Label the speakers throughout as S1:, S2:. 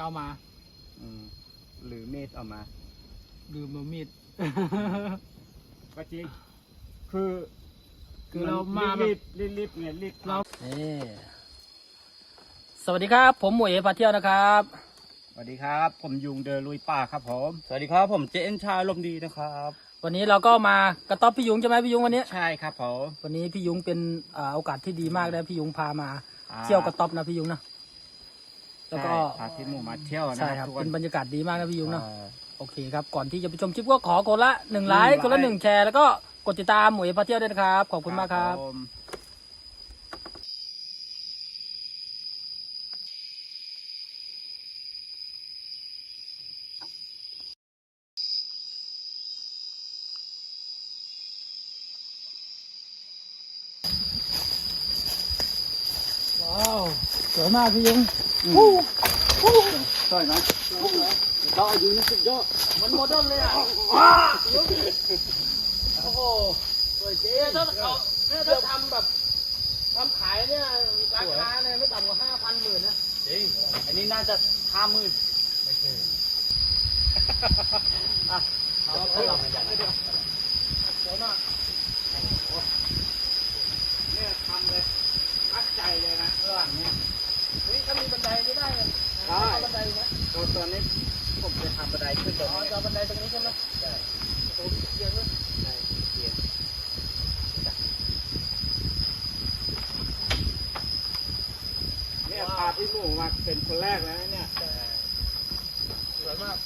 S1: เอามา
S2: หรือมีดเอามา
S1: ลืมเอามีด
S2: ก็จริงคือ
S1: เรามา
S2: รีบไงรีบ
S1: เราสวัสดีครับผมหมวยพาเที่ยวนะครับ
S2: สวัสดีครับผมยุงเดินลุยป่าครับผมสวัสดีครับผมเจนชาลมดีนะครับ
S1: วันนี้เราก็มากระต๊อบพี่ยุงใช่ไหมพี่ยุงวันนี้
S2: ใช่ครับผม
S1: วันนี้พี่ยุงเป็นโอกาสที่ดีมากเลยพี่ยุงพามาเที่ยวกระต๊อบนะพี่ยุงนะ
S2: แล้วก็พาพี่หมูมาเที่ยวนะ
S1: ใช่ครับเป็นบรรยากาศดีมากนะพี่ยุงนะโอเคครับก่อนที่จะไปชมคลิปก็ขอคนละ1 ไลค์คนละ1 แชร์แล้วก็กดติดตามหมวยพาเที่ยวด้วยนะครับขอบคุณมากครับว้าวสวยมากพี่ยุง
S2: สวยไหมดอกยุงสุดยอด
S1: มันโมเดิร์นเลยอ่ะโอ้โหสวยจริงถ้าทำแบบทำขายเนี่ยราคาเนี่ยไม่ต่ำกว่า5,000 10,000นะ
S2: จริงอันนี้น่าจะ50,000ไม่ใช่
S1: เอาไปลองกันสวยมาก
S2: เนี่ยทำเลยตั้งใจเลยนะระหว่างนี้
S1: ถ้ามีบันไดไม่ได้เลยบันไดไหม
S2: ตอนนี้ผมจะทำบันไดขึ้นตรงนี้
S1: จะบันไดตรงนี้ใช่ไหมใช่โอ้โหเยอะเลย
S2: ใช่เยอะเนี่ยพาพี่หมูมาเป็นคนแรกแล้วเนี่ย
S1: สวยมาก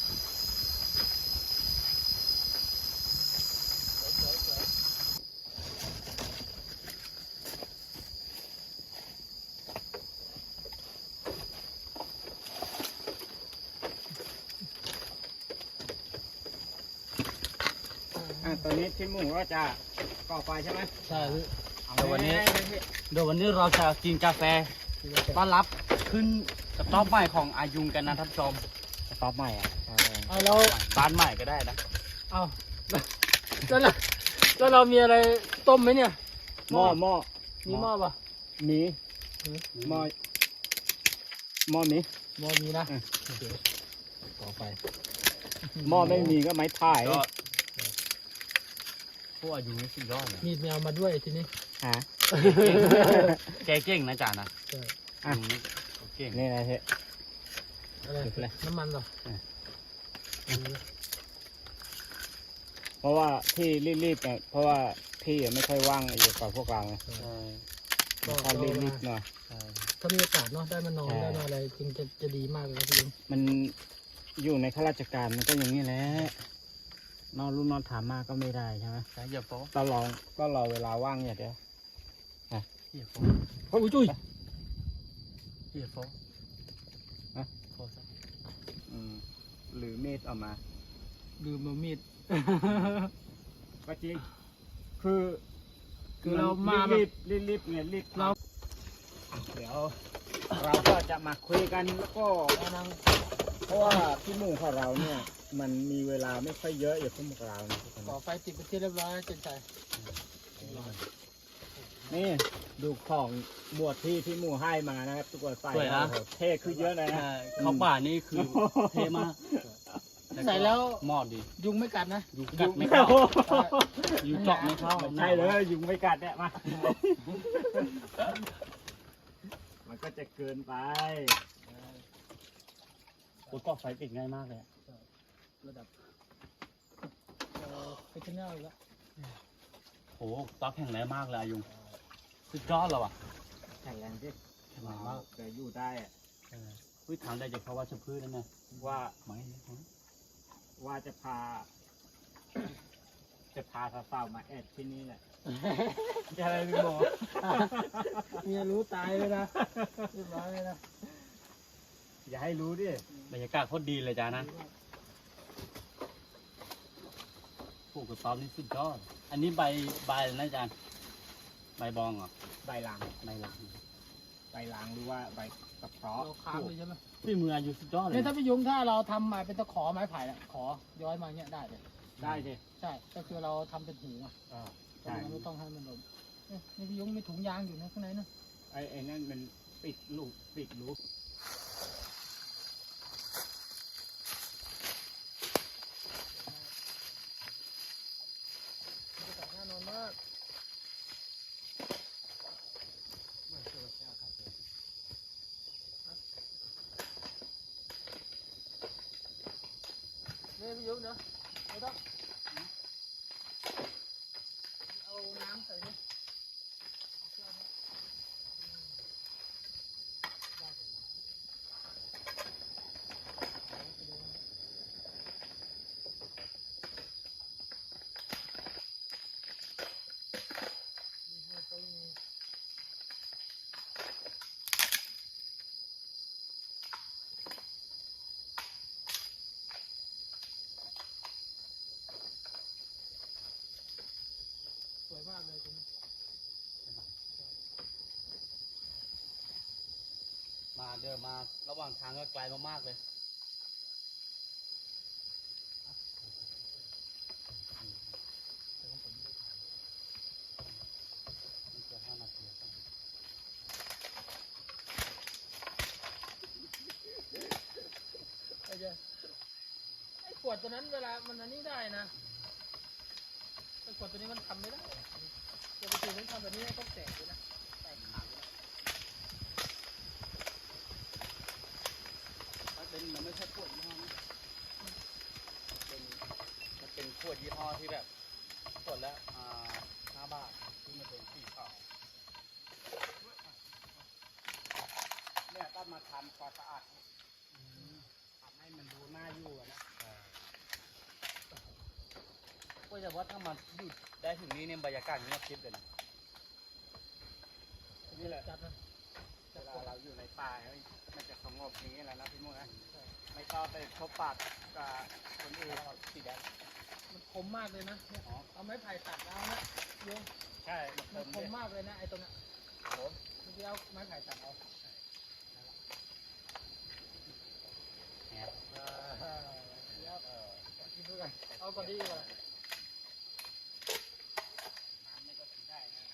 S2: ตอนนี้พี่หมูก็จะก่อไฟใช่ไหม
S1: ใช่
S2: เดี๋ยววัน
S1: นี้เราจะกินกาแฟต้อนรับ
S2: ขึ้นกระต๊อบใหม่ของอายุงกันนะท่านผู้ชมกระต๊อบใหม่อ่ะ
S1: เอาแล้ว
S2: บ้านใหม่ก็ได้นะ
S1: เอาแล้วเรามีอะไรต้มไหมเนี่ย
S2: หม้อ
S1: มีหม้อป่ะ
S2: มีหม้อมี
S1: นะต่อไป
S2: หม้อไม่มีก็ไม้ถ่าย
S1: พวกอายุนี่สุดยอดเลยมีแมวมาด้วยทีนี้
S2: แกเก่งนะจ่านะ
S1: ใช่
S2: เก่งนี่นะเฮ้
S1: อะไรน้ำมันเหรอ
S2: เพราะว่าที่รีบๆเนี่ยเพราะว่าพี่ไม่ค่อยว่างอยู่กับพวกเราก็รีบๆหน่อย
S1: ถ้ามีโอกาสเนาะได้มานอนได้มาอะไรจริงจะดีมากเลยพี่
S2: มันอยู่ในข้าราชการมันก็อย่างนี้แหละนอนรุ่นนอนถามมากก็ไม่ได้ใช่ไหม
S1: ใช่อย่าโป๊ะ
S2: ก็รอเวลาว่างอย่างเดียว
S1: อย่าโป๊ะโอ้ยจุ้ยอย่าโป๊ะโป๊ะ
S2: หรือมีดเอามา
S1: ลืมเอามีด
S2: ก็จริงคือ
S1: เรามา
S2: รีบไงรีบเราเดี๋ยวเราก็จะมาคุยกันแล้วก็เพราะว่าพี่หมู่ของเราเนี่ยมันมีเวลาไม่ค่อยเยอะอยู่พวกเรา
S1: ก่อไฟติดไปที่เรียบร้อยเจนใจ
S2: นี่ดูของบวชที่พี่หมู่ให้มานะครับทุกคนใส่เท่ขึ้นเยอะเลยนะ
S1: เขาป่านี่คือเท่มากใส่แล้ว
S2: หมอดดิ
S1: ยุงไม่กัดนะ
S2: ยุงกัดไม่เข้ายุงเจาะไม่เข้าใช่เลยยุงไม่กัดเนี่ยมามันก็จะเกินไป
S1: โอ้ยก่อไฟติดง่ายมากเลยระดับไปที่นี่แล้ว
S2: โอ้ต๊อกแข็งแรงมากเลยยุงสุดยอดเลยว่ะแข็งแรงสิแข็งแรงมากแต่อยู่ได้อะ
S1: พืชทางได้จะเพราะว่าชมพืชนั่นนะ
S2: ว่าว่าจะพาสาวๆมาแอดที่นี่แหละจะอะไรพี่โม
S1: เมียรู้ตายเลยนะเรียบร้อยเลยนะ
S2: อย่าให้รู้ดิ
S1: บรรยากาศโคตรดีเลยจ้านะปลูกกระต๊อบนี่สุดยอดอันนี้ใบนะอาจารย์ใบบองเหรอ
S2: ใบลางหรือว่าใบกระเพาะ
S1: ค้างเลยใช่ไหมพี่มืออยู่สุดยอดเลยเนี่ยถ้าพี่ยุงถ้าเราทำมาเป็นตะขอไม้ไผ่ขอย้อยมาเงี้ยได้เลย
S2: ได้สิ
S1: ใช่ก็คือเราทำเป็นหูอ่ะใช่ไม่ต้องให้มันลมนี่พี่ยุงมีถุงยางอยู่นะข้างในนะ
S2: ไอ้นั่นมันปิดรู
S1: ยุเนาะไม่ต้องเอาน้ำใส่ดิเอาเครื่องนี้ได้เลยนี่หัวต้นนี้สวยมากเลยตรงนี้
S3: มาเดินมาระหว่างทางก็ไกลมากๆเลยนี่จะ5 นาทีครับ
S1: ไอ้ขวดตัวนั้นเวลามันอันนี้ได้นะไอ้ขวดตัวนี้มันทำไม่ได้จะไปถึงทำแบบนี้ต้องแตกเลยนะแตกขาดเลย
S3: มันไม่ใช่ขวดยี่ห้อนี้มันเป็นขวดยี่ห้อที่แบบขวดละ5 บาทที่มันเป็นสีขาวเนี่ยต้องมาทำความสะอาดทำให้มันดูน่าอยู่อะนะก็จะว่าถ้ามันหยุดได้ถึงนี้เนี่ยบรรยากาศเงียบกริบเลยนะนี่แหละ
S1: จัดนะ
S2: เวลาเราอยู่ในป่ามันจะสงบอย่างนี้แหละนะพี่มุ่งนะไม่ต้องไปพบปะกับคนอื่นสีแดง
S1: มันคมมากเลยนะเนี่ยเอาไม้ไผ่ตัดแล้วนะโยง
S2: ใช่
S1: มันคมมากเลยนะไอ้ตรงเนี้ย
S2: ผม
S1: เมื่อกี้เอาไม้ไผ่ตัดเอา
S3: เนี่ย
S1: กินด้วยกันเอาก่อนดีกว่า
S2: น้ำนี่ก็กินได้นะ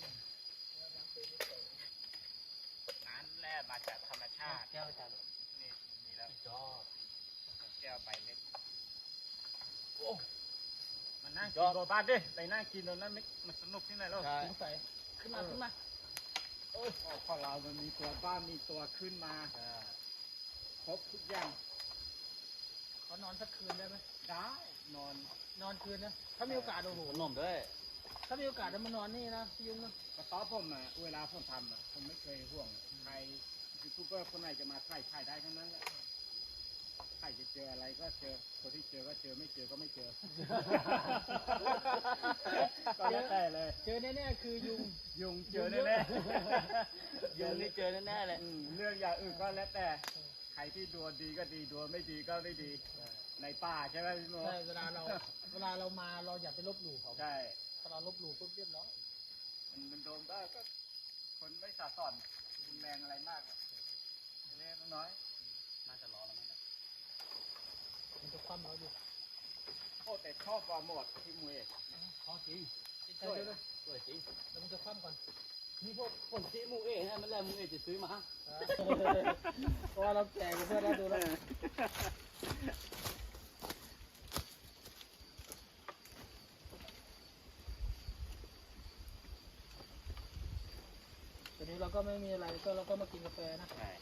S2: น้ำแร่มาจากธรรมชาติ
S3: แก้วจัด
S2: นี่มีแล้ว
S3: ยอด
S2: แก้วใบเล็กโอ้มันนั่งกินโบบ้านดิไปนั่งกินตรงนั้นมันสนุกที่ไหนแล้ว
S3: ใช่
S1: สงสัยขึ้นมาขึ้นมา
S2: โอ้ยของเรามันมีตัวบ้านมีตัวขึ้นมาครบทุกอย่าง
S1: เขานอนสักคืนได้ไหม
S2: ได้นอน
S1: นอนคืนนะถ้ามีโอกาสโอ้โห
S3: ขนมด้วย
S1: ถ้ามีโอกาสจะมานอนนี่นะพี่ยุงนะ
S2: กระต๊อบผมอ่ะเวลาผมทำอ่ะผมไม่เคยห่วงใครยูทูบเบอร์คนไหนจะมาถ่ายได้ทั้งนั้นแหละใครจะเจออะไรก็เจอคนที่เจอก็เจอไม่เจอก็ไม่เจอ ก็แล้วแต่เลย
S1: เจอแน่ๆคือยุง
S2: ยุงเจอแน่ๆ
S3: ยุงนี่เจอแน่ๆเลย
S2: เรื่องอย่างอื่นก็แล้วแต่ใครที่ดวงดีก็ดีดวงไม่ดีก็ไม่ดี ในป่าใช่ไหมพี่โม
S1: ใช่เวลาเรามาเราอย่าไปลบหลู่เขา
S2: ใช่
S1: ถ้าเราลบหลู่ปุ๊บเรียบร้อย
S2: มันโดนก็คนไม่สะสอนรุนแรงอะไรมากอะเล็กน้อย
S3: น่าจะรอแล้วมั้งเนี่ย
S1: มันจะคว่ำเราอยู่
S2: โอ้แต่ชอบวาหมดที่มวย
S3: ขอจริง
S1: ใช่ด้วย
S3: สวยจริง
S1: แล้วมันจะคว่ำก่อน
S3: นี่พวกคนที่มูเอ๋นะมันแหละมูเอ๋จะซื้อมา
S1: เพราะว่าเราแก่กันเพื่อนเราดูแล้วตอนนี้เราก็ไม่มีอะไรก็เราก็มากินกาแฟนะ
S3: ใช่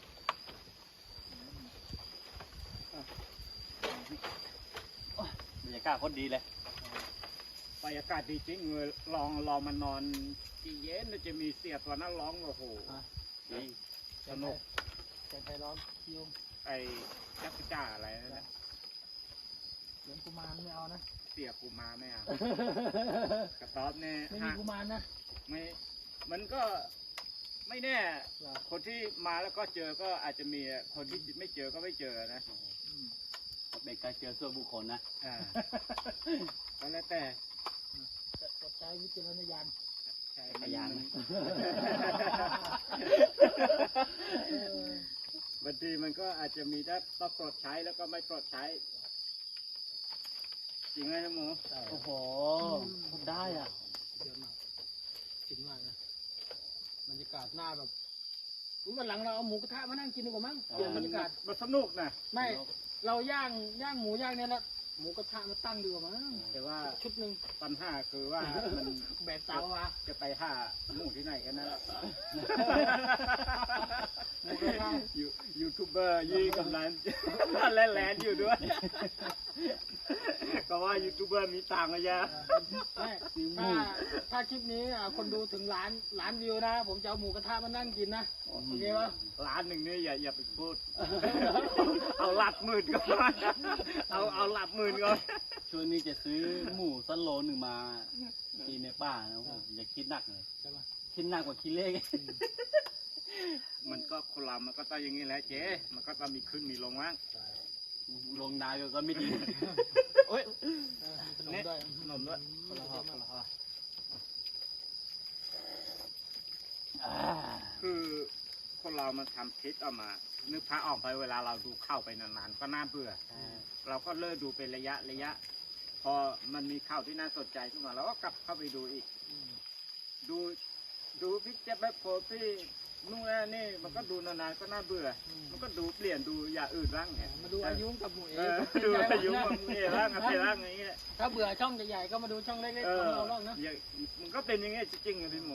S3: บรรยากาศโคตรดีเลย
S2: บรรยากาศดีจริงเลยลองมานอนที่เย็นจะมีเสียตัวนั้นร้องโอ้โห
S3: จริง
S2: สนุก
S1: แกงไทยร้อนพี่ยุง
S2: ไอ้จักรจ้าอะไรนั่นนะ
S1: เหลืองกุมารไม่เอานะ
S2: เสียกูมาไม่เอากระต๊อบเนี่ย
S1: ไม่มีกุมารนะ
S2: ไม่มันก็ไม่แน่ คนที่มาแล้วก็เจอก็อาจจะมีคนที่ไม่เจอก็ไม่เจอนะ
S3: เป็นการเจอส่วนบุคคลนะ
S2: อ่าก็แล้วแต่
S1: กดใช้วิจารณญาณ
S2: ใช่
S3: พยาน
S2: บางทีมันก็อาจจะมีได้ต้องปลดใช้แล้วก็ไม่ปลดใช้ จริงไหมท่านหมู
S3: โอ้โหได้อ่ะ
S1: เยอะมากจริงมากนะบรรยากาศหน้าแบบวันหลังเราเอาหมูกระทะมานั่งกินดีกว่ามั้งเปลี่ยนบรรยากาศ
S2: มันสนุกนะ
S1: ไม่เราย่างหมูย่างเนี่ยแล้วหมูกระทะมาตั้งดีกว่ามั้ง
S2: แต่ว่า
S1: ชุดหนึ่ง
S2: ปัญหาคือว่ามัน
S1: แบกเตามา
S2: จะไปหาหมูที่ไหนกันนะ
S1: หมูกระทะ
S2: ยูทูบเบอร์ยี่กำลัง แลนอยู่ด้วย ก็ว่ายูทูบเบอร์มีตังค์อะยะ
S1: ไม่ถ้าคลิปนี้คนดูถึงล้านวิวนะ ผมจะเอาหมูกระทะมานั่งกินนะโอเคปะ
S2: ร้านหนึ่งนี่อย่าไปพูด เอาหลักหมื่นก่อนเอาหลักหมื่นก่อน
S4: ช่วงนี้จะซื้อหมูสักโลหนึ่งมากินในป่านะผมอย่าคิดหนักเลย
S1: ใช่ปะ
S4: คิดหนักกว่าคิดเลข
S2: มันก็คนเรามันก็ต้องอย่างนี้แหละเจ๊มันก็ต้องมีขึ้นมีลงบ้าง
S4: ลงนาก็ไม่ดีโอ้ย
S1: ขนมด้วย
S2: ขนมด้วย
S1: คนละห่อคนละห่อ
S2: คือคนเรามันทำคลิปออกมา นึกพระออกไปเวลาเราดูเข้าไปนานๆก็น่าเบื่อ เราก็เลิกดูเป็นระยะ พอมันมีข่าวที่น่าสนใจขึ้นมาเราก็กลับเข้าไปดูอีก ดูพี่เจ็บแบบโพพี่นู่นนี่มันก็ดูนานๆก็น่าเบื่อ มันก็ดูเปลี่ยนดูอย่างอื่นบ้างไง
S1: มาดูอายุกับหมูเอ
S2: ดูอายุมันเอ๋บ้างอะไรบ้างอย่างเงี้ย
S1: ถ้าเบื่อช่องใหญ่ๆก็มาดูช่องเล็กๆของเราบ้างนะ
S2: มันก็เป็นอย่างเงี้ยจริงๆอะพี่หมู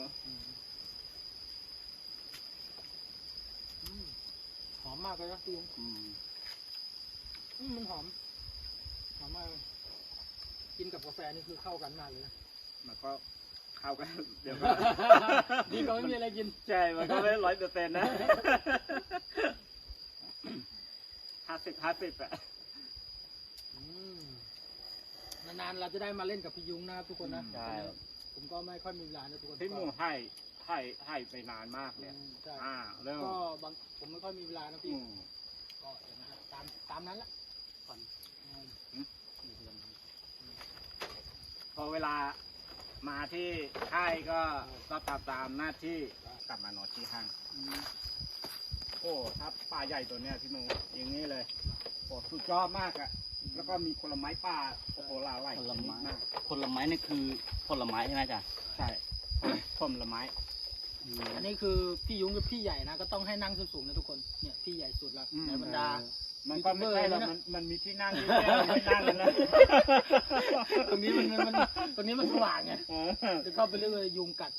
S1: หอมมากเลยนะพี่ยุงมันหอมมากเลยกินกับกาแฟนี่คือเข้ากันมากเลยนะ
S2: มันก็เข้ากันเดี๋ยว
S1: ดีกว่าไม่มีอะไรกิน
S2: ใช่มันก็ไม่100%นะ50อะ
S1: นานๆเราจะได้มาเล่นกับพี่ยุงนะครับทุกคนนะ
S4: ใช่
S1: ผมก็ไม่ค่อยมีเวลานะทุกคน
S2: พี่หมูให้ไปนานมากเลย
S1: ใช่
S2: เริ่ม
S1: ก็บางผมไม่ค่อยมีเวลานะพี่ก็อย่างนั้นตามนั้นละก่อน
S2: พอเวลามาที่ค่ายก็ตามหน้าที่กลับมานอนที่ห้างโอ้ถ้าป่าใหญ่ตัวเนี้ยพี่หมูอย่างนี้เลยโอ้สุดยอดมากอะแล้วก็มีผลไม้ป่าโอ้โหหลาย
S4: ผลไม้
S2: มาก
S4: ผลไม้นี่คือผลไม้ใช่ไหมจ๊ะ
S2: ใช่ผลไม้
S1: อันนี้คือพี่ยุงกับพี่ใหญ่นะก็ต้องให้นั่งสูงๆนะทุกคนเนี่ยพี่ใหญ่สุดละในบรรดา
S2: มันก็ไม่ใช่หรอกมันมีที่นั่งที่ไม่นั่งกันนะ
S1: ตรงนี้ตรงนี้มันสว่างไงจะเข้าไปเรื่อยๆยุงกัด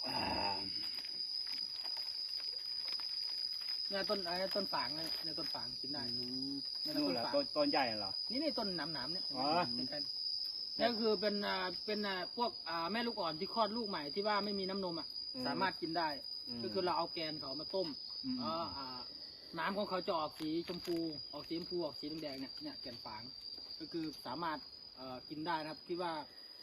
S1: เนี่ยต้นฝางเนี่ยต้นฝางกินได้เนี่ย
S2: นู่น
S1: ต้น
S2: แหละ
S1: ฝาง
S2: ต้นใหญ่เหรอ
S1: นี่ต้นหนามๆเนี่ย
S2: อ๋อ
S1: นี่คือเป็นพวกแม่ลูกอ่อนที่คลอดลูกใหม่ที่ว่าไม่มีน้ำนมอ่ะสามารถกินได้ ก็คือเราเอาแกนเขามาต้มน้ำของเขาจะออกสีชมพูออกสีแดงเนี่ยแกนฝางก็คือสามารถกินได้นะครับที่ว่า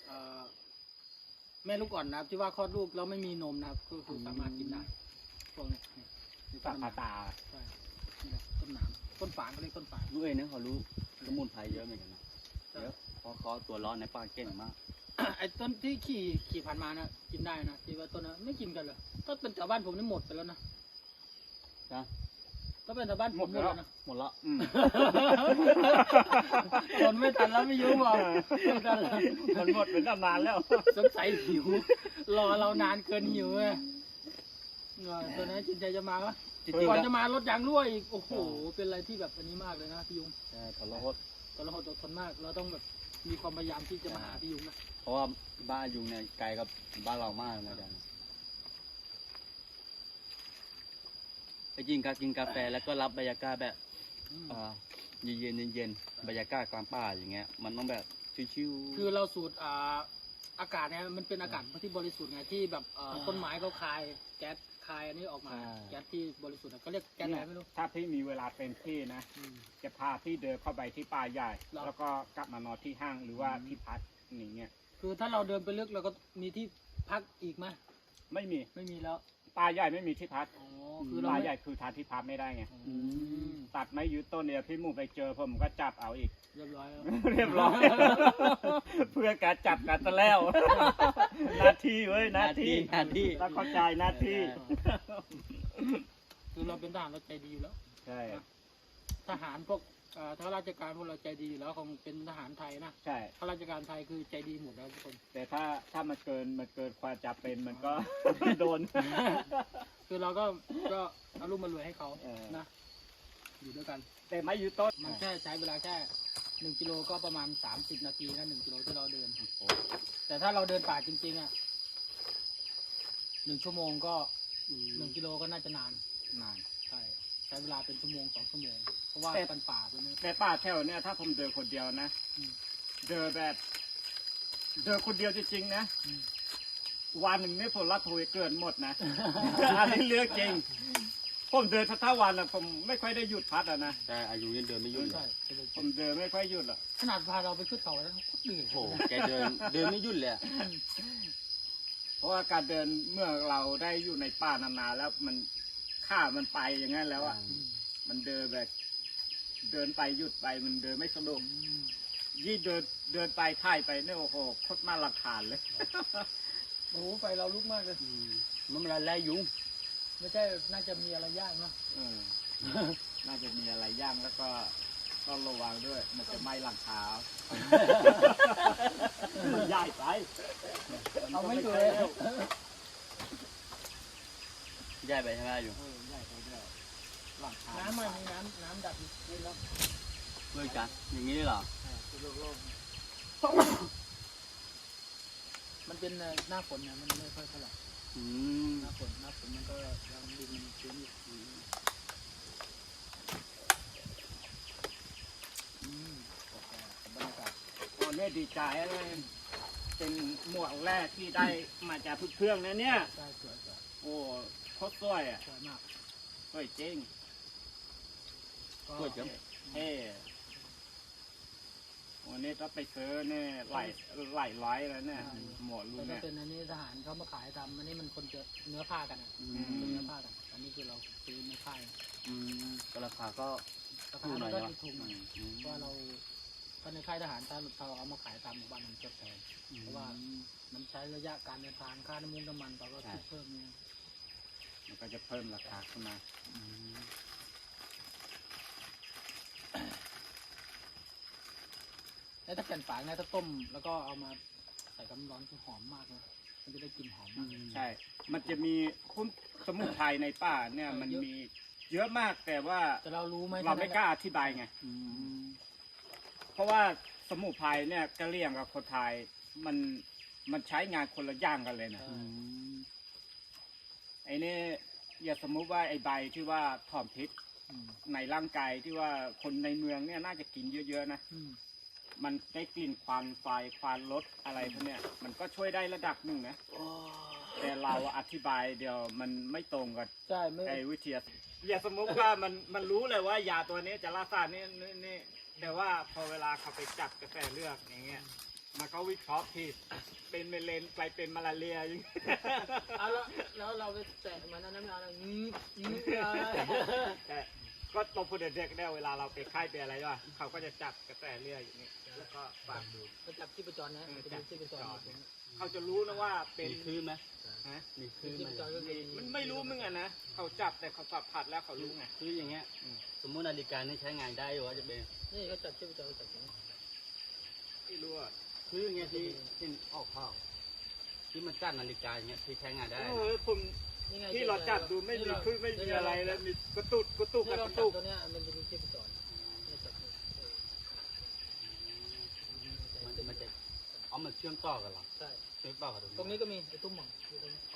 S1: แม่ลูกอ่อนนะครับที่ว่าคลอดลูกแล้วไม่มีนมนะครับก็คือสามารถกินได้พวกนี้นี่
S2: สับตา
S1: ใช่นี่แหละต้นหนามต้นฝางก็เรียกต้นฝาง
S4: ลูกเองเนี่ยเขารู้สมุนไพรเยอะเหมือนกันนะเยอะเพราะเขาตัวร้อนในป่าเก่งมาก
S1: ไอ้ต้นที่ขี่ผ่านมานะกินได้นะที่ว่าต้นนั้นไม่กินกันเลยต้นเป็นแถวบ้านผมนี่หมดไปแล้วนะ
S4: นะ
S1: ก็เป็นแถวบ้านผมหมดแล้วนะ
S4: หมดละ
S1: คนไม่ทันแล้วไม่ยุ่งหรอกไม่ทันแล้ว
S2: มันหมดเป็นตำนานแล้ว
S1: สงสัยหิวรอเรานานเกินหิวเลยตัวนั้นจินใจจะมาปะ
S4: จริง
S1: ก่อน
S4: ๆ
S1: จะมารถยางรั่วอีกโอ้โหเป็นอะไรที่แบบอันนี้มากเลยนะพี่ยุง
S4: ใช่ทรหด
S1: แต่เราอดทนมากเราต้องแบบมีความพยายามที่จะมาหาพี่ยุงนะ
S4: เพราะว่าบ้านยุงเนี่ยไกลกับบ้านเรามากนะจ๊ะไปกินกาแฟแล้วก็รับบรรยากาศแบบเย็นบรรยากาศกลางป่าอย่างเงี้ยมันต้องแบบชิวๆ
S1: คือเราสูดอากาศเนี่ยมันเป็นอากาศที่บริสุทธิ์ไงที่แบบต้นไม้เขาคายแก๊สคายอันนี้ออกมาแก๊สที่บริสุทธิ์ก็เรียกแก๊สอะไรไม่รู้
S2: ถ้าพี่มีเวลาเต็มที่นะ จะพาพี่เดินเข้าไปที่ป่าใหญ่
S1: หรอ
S2: แล้วก็กลับมานอนที่ห้างหรือว่าที่พักอย่างเงี้ย
S1: คือถ้าเราเดินไปลึกเราก็มีที่พักอีกไหม
S2: ไม่มี
S1: ไม่มีแล้ว
S2: ป่าใหญ่ไม่มีที่พัก
S1: อ๋อคือเรา
S2: ป่า
S1: ไม่
S2: ใหญ่คือทางที่พักไม่ได้ไง
S1: อืม
S2: ตัดไม้ยืดต้นเนี่ยพี่หมูไปเจอผมก็จับเอาอีก
S1: เรียบร้อยแล้ว
S2: เรียบร้อย เพื่อการจับกันซะแล้ว หน้าที่เว้ยหน้าที่
S4: หน้าที่
S2: ต้องเข้าใจหน้าที่
S1: คือเราเป็นทหารเราใจดีอยู่แล้ว
S2: ใช่
S1: ทหารพวกถ้าราชการพวกเราใจดีอยู่แล้วคงเป็นทหารไทยนะ
S2: ใช่
S1: ข้าราชการไทยคือใจดีหมดแล้วทุกคน
S2: แต่ถ้ามันเกินความจำเป็นมันก็ โดน
S1: คือเราก็เอารูปมารวยให้เขา
S2: เออ
S1: นะอยู่ด้วยกัน
S2: แต่ไม้ยืดต้น
S1: มันแค่ใช้เวลาแค่ 1 กิโลก็ประมาณ30 นาทีนะ1 กิโลที่เราเดิน แต่ถ้าเราเดินป่าจริงๆอ่ะ1 ชั่วโมงก็1 กิโลก็น่าจะนาน
S2: นาน
S1: ใช้เวลาเป็นชั่วโมง2 ชั่วโมงเพราะว่าเป็นป่าเป็นนี่
S2: แต่ป่าแถวเนี่ยถ้าผมเดินคนเดียวนะ
S1: อืม
S2: เดินแบบเดินคนเดียวจริงๆนะ
S1: อืม
S2: วันหนึ่งนี่ผมรับโทยเกินหมดนะ อันนี้เรื่องจริง ผมเดินทั้งวันนะผมไม่ค่อยได้หยุดพักอะนะ
S4: แต่อายุยังเดินไม่หยุ่นเล
S1: ใช่
S4: ย
S2: ผมเดินไม่ค่อยหยุดหรอก
S1: ขนาดพาเราไปขึ้นเขาแล้วก็เหนื่อย
S4: โอ้โหแกเดินไม่หยุ่นเลยอะ
S2: เพราะว่าการเดินเมื่อเราได้อยู่ในป่านานๆแล้วมันข้ามันไปอย่างนั้นแล้วอะ
S1: อืม
S2: มันเดินแบบเดินไปหยุดไปมันเดินไม่สะดวก
S1: อืม
S2: ยี่เดินไปถ่ายไปเนี่ยโอ้โหโคตรน่ารำคาญเลย
S1: โอ้โหไฟเราลุกมากเลย
S4: มันเป็นอะไรยุง
S1: ไม่ใช่น่าจะมีอะไรยากนะ
S2: เออ น่าจะมีอะไรย่างแล้วก็ต้องระวังด้วย มันจะไหม้หลังคา มันใหญ่ไป
S1: เอาไม่ถูก
S2: ใช่
S1: เลย
S2: แล้ว
S4: แย่ไปใช่ไหมอายุ
S2: ใหญ่ไปด้วยหลังคา
S1: น้ำมันมีน้ำดับนี่แล้ว
S4: เพื่อนกันอย่างนี้เหรอ
S1: มันเป็นหน้าฝนเนี่ยมันไม่ค่อยเท่าไหร่
S4: อืม
S1: หน้าฝนมันก็ยังดินมันชื้นอยู่โอเคบรรยากาศ
S2: โอ้เนี่ยดีใจเลยเป็นหมวกแรกที่ได้มาจากเพื่อนๆนะเนี่ย
S1: ใช่สวย
S2: โอ้โคตรสวยอ่ะ
S1: สวยมาก
S2: สวยจริง
S1: ก็
S4: สวยจัง
S2: เท่วันนี้ก็ไปซื้อเนี่ยหลายร้อยแล้วเนี่ยหมวกรุ่
S1: แต่
S2: น
S1: ถ้า
S2: เนี่ย
S1: เป็นอันนี้ทหารเขามาขายทำอันนี้มันคนจะเนื้อผ้ากันอ่ะ
S4: อื
S1: เป็น
S4: ม
S1: เนื้อผ้ากัน อันนี้คือเราซื้อในค่าย
S4: อืมก็ราคาก็
S1: รา
S4: ถู
S1: คาก
S4: หน่
S1: มั
S4: อน ย
S1: ก็
S4: ใช่ไหม
S1: ถูกหน่อย
S4: อืม
S1: เพราะว่าเราถ้าในค่ายทหารถ้าเราเอามาขายตามหมู่บ้านมันจะแพง เพราะว่า มันใช้ระยะการเดินทางค่าน้ำมันเราก็คิดเพิ่มเนี่ย
S2: มันก็จะเพิ่มราคาขึ้นมา
S4: อืม
S1: แล้วถ้าแผ่นฝางเนี่ยถ้าต้มแล้วก็เอามาใส่กับน้ำร้อนคือหอมมากเลยมันจะได้กลิ่นหอมมาก
S2: ใช่ มันจะมีคุ้มสมุนไพรในป่าเนี่ยมันมีเยอะมากแต่ว่า
S1: แต่เรารู้ไหม
S2: เราไม่กล้าอธิบายไง
S4: อืม
S2: เพราะว่าสมุนไพรเนี่ยกะเหรี่ยงกับคนไทยมันใช้งานคนละอย่างกันเลยนะ
S4: อืม
S2: ไอ้นี่อย่าสมมุติว่าไอ้ใบที่ว่าถอมพิษ
S1: อืม
S2: ในร่างกายที่ว่าคนในเมืองเนี่ยน่าจะกินเยอะๆนะ
S1: อืม
S2: มันได้กลิ่นควันไฟควันรถอะไรพวกเนี้ยมันก็ช่วยได้ระดับหนึ่งนะแต่เราอธิบายเดี๋ยวมันไม่ตรงกับ
S1: ใช่ไม่
S2: ไอ้วิทยาอย่าสมมติว่ามันรู้เลยว่ายาตัวนี้จะรักษานี่แต่ว่าพอเวลาเขาไปจับกระแสเลือดอย่างเงี้ยมันก็วิเคราะห์ผิดเป็นเมเลนไปเป็นมาลาเรียอย่างเงี้ย
S1: เอาแล้วเราไปแตะมันนั้นไม่เอาแล้วอะไร
S2: แต่ก็ตรงพูดเด็กๆเนี่ยเวลาเราไปค่ายไปอะไรด้วยเขาก็จะจับกระแสเลือดอย่างนี้แล้วก็ฟังดู
S1: ก็จับที่ประจรนะจะดูที่ประจร
S2: เขาจะรู้นะว่าเป็
S4: มี
S2: น
S4: คลื่นไหม
S2: ฮะ
S4: มีคลื่น
S1: ที่
S4: ไหม
S1: ประจรก็คือ
S2: มันไม่รู้มึงอะนะเขาจับแต่เขาสัมผัสแล้วเขารู้ไง
S4: คืออย่างเงี้ย สมมุตินาฬิกานี่ใช้งานได้อยู่ว่าจะเป็น
S1: นี่ก็จับที่ประจรก็จับอย่างนี้
S2: ไม่รู้อะ
S4: คืออย่างเงี้ยที่ออกข้าวที่มันจัดนาฬิกาอย่างเงี้ยที่ใช้งานได้
S2: เอ
S4: นะ
S2: อผม
S1: นี่ไง
S2: ที่เราจับดูไม่มีคือไม่มีอะไรแล้วมีกระตุกกระตุก
S1: ที่
S2: ก
S1: เรา
S2: ระ
S1: จั
S2: ตุ
S1: บ
S2: ก
S1: ตัวเนี้ยมันจะดูที่ประจรนี่จับนี่
S4: มันจะเอามันเชื่อมต่อกันเหรอ
S1: ใช่
S4: เชื่อมต่อกัน
S1: ตรงนี้ก็มีไอ้ตุ้มหม่องอยู่ตรงนี้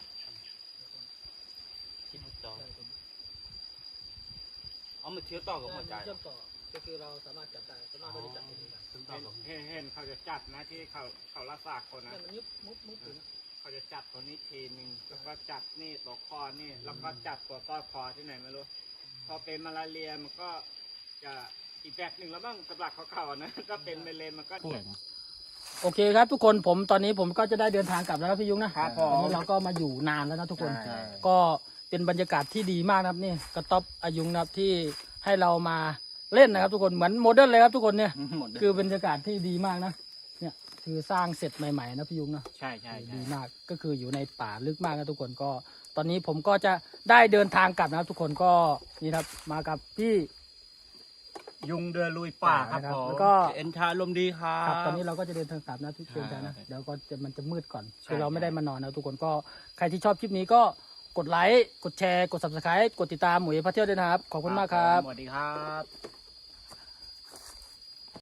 S4: ที่จอ
S1: ใช่ตรงนี้
S4: เอามันเชื่อมต่อกับหัวใจ
S1: เชื่อมต่อก็คือเราสามารถจับได้สามารถเราจะจับตรงนี้ได้
S4: เชื่อมต่อกับ
S2: เห็นเขาจะจับนะที่เขารักษาคนนะ
S1: เนี่ยมันยุบมุบอยู่นะ
S2: เขาจะจับตัวนี้ทีหนึ่งแล้วก็จับนี่ตัวคอนี่แล้วก็จับตัวต้อคอที่ไหนไม่รู้พอเป็นมาลาเรียมันก็จะอีกแบบหนึ่งแล้วบ้างสำหรับเขาๆนะถ้าเป็นเมเลนมันก็
S1: โอเคครับทุกคนตอนนี้ผมก็จะได้เดินทางกลับแล้วครับพี่ยุ้งนะครับ
S2: ผม
S1: ตอนนี้เราก็มาอยู่นานแล้วนะทุกคน
S2: ใช่
S1: ก็เป็นบรรยากาศที่ดีมากนะครับนี่กระต๊อบอายุงนะครับที่ให้เรามาเล่นนะครับ ทุกคนเหมือนโมเดิร์นเลยครับทุกคนเนี่ย
S4: หมดเลย
S1: คือบรรยากาศที่ดีมากนะเนี่ยคือสร้างเสร็จใหม่ๆนะพี่ยุ้งนะ
S2: ใช่ใช่
S1: ดีมากก็คืออยู่ในป่าลึกมากนะทุกคนก็ ตอนนี้ผมก็จะได้เดินทางกลับนะครับ ทุกคนก็นี่ครับมากับพี่
S2: ยุงเดินลุยป่าครับ
S1: นะ
S2: ผม
S1: แล้วก็
S4: เอ็นชาลมดีครั
S1: ครับ
S4: บ
S1: ตอนนี้เราก็จะเดินทางกลับนะทุกคนนะ
S2: ใช่
S1: เดี๋ยวก็มันจะมืดก่อน
S2: ใช่
S1: คือเราไม่ได้มานอนนะทุกคนก็ใครที่ชอบคลิปนี้ก็กดไลค์กดแชร์กด subscribe กดติดตามหมวยพาเที่ยวด้วยนะครับขอบคุณมากครับ
S2: สวัสดีครับ